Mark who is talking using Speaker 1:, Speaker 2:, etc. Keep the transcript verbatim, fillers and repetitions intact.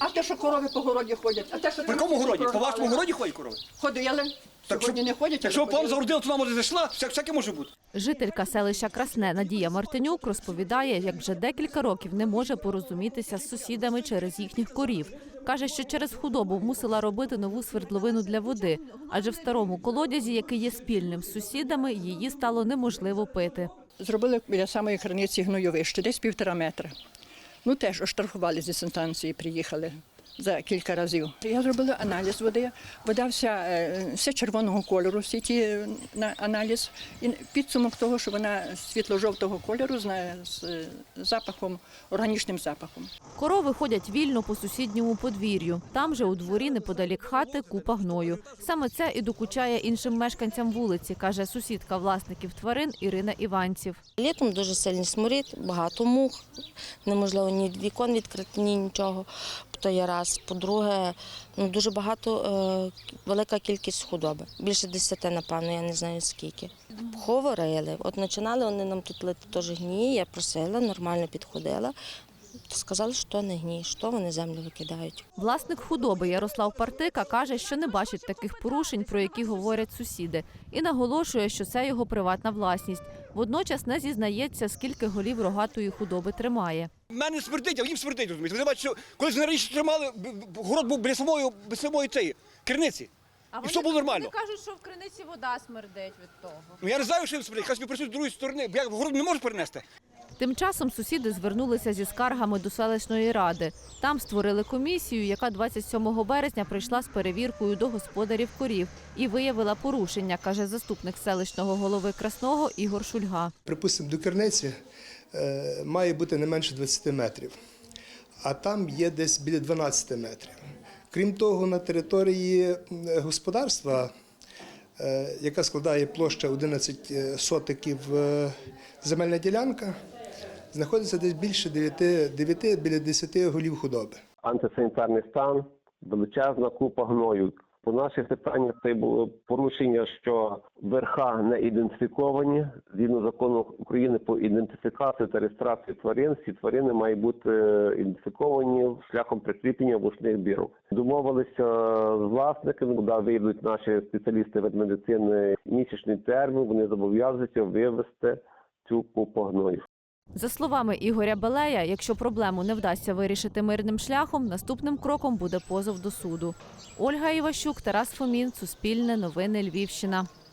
Speaker 1: А те, що корови по городі ходять, а те, що...
Speaker 2: По якому городі? По вашому городі ходять корови?
Speaker 1: Ходили. Сьогодні не ходять, але
Speaker 2: Якщо пан
Speaker 1: ходили.
Speaker 2: загородила, то нам може зайшла, всяке, всяке може бути.
Speaker 3: Жителька селища Красне Надія Мартинюк розповідає, як вже декілька років не може порозумітися з сусідами через їхніх корів. Каже, що через худобу мусила робити нову свердловину для води, адже в старому колодязі, який є спільним з сусідами, її стало неможливо пити.
Speaker 1: Зробили біля самої криниці гнойовище, десь півтора метра. Ну теж оштрафували зі санстанції, приїхали за кілька разів. Я зробила аналіз води, вода вся, е, вся червоного кольору, всі ті е, на аналіз. І підсумок того, що вона світло-жовтого кольору з, на- з е, запахом, органічним запахом.
Speaker 3: Корови ходять вільно по сусідньому подвір'ю. Там же у дворі неподалік хати купа гною. Саме це і докучає іншим мешканцям вулиці, каже сусідка власників тварин Ірина Іванців.
Speaker 4: Літом дуже сильний сморід, багато мух, неможливо ні вікон відкрити, ні нічого. То є раз. По-друге, ну, дуже багато, е, велика кількість худоби. Більше десяти, напевно, я не знаю скільки. Говорили. От починали вони нам тут лити теж гній, я просила, нормально підходила. Сказали, що не гній, що вони землю викидають.
Speaker 3: Власник худоби Ярослав Партика каже, що не бачить таких порушень, про які говорять сусіди, і наголошує, що це його приватна власність. Водночас не зізнається, скільки голів рогатої худоби тримає.
Speaker 2: У мене смердить, а їм смердить, розумієте. Ви бачите, що колись вони раніше тримали, б- б- город був біля самої, біля самої цієї криниці. І все було нормально.
Speaker 3: кажуть, що в криниці вода смердить від того.
Speaker 2: Ну, я не знаю, що їм смердить, хай собі працюють з другої сторони, бо я город не можу перенести.
Speaker 3: Тим часом сусіди звернулися зі скаргами до селищної ради. Там створили комісію, яка двадцять сьомого березня прийшла з перевіркою до господарів корів і виявила порушення, каже заступник селищного голови Красного Ігор Шульга.
Speaker 5: Припустимо, до керниці е, має бути не менше двадцяти метрів, а там є десь біля дванадцяти метрів. Крім того, на території е, господарства, е, яка складає площа одинадцять сотиків е, земельна ділянка, знаходиться десь більше дев'яти, дев'яти, біля десяти голів худоби.
Speaker 6: Антисанітарний стан, величезна купа гною. По наших питаннях це було порушення, що верха не ідентифіковані. Згідно закону України по ідентифікації та реєстрації тварин, всі тварини мають бути ідентифіковані шляхом прикріплення вушних бірок. Домовилися з власниками, куди вийдуть наші спеціалісти ветмедицини місячний термін, вони зобов'язуються вивезти цю купу гною.
Speaker 3: За словами Ігоря Белея, якщо проблему не вдасться вирішити мирним шляхом, наступним кроком буде позов до суду. Ольга Іващук, Тарас Фомін, Суспільне, Новини Львівщина.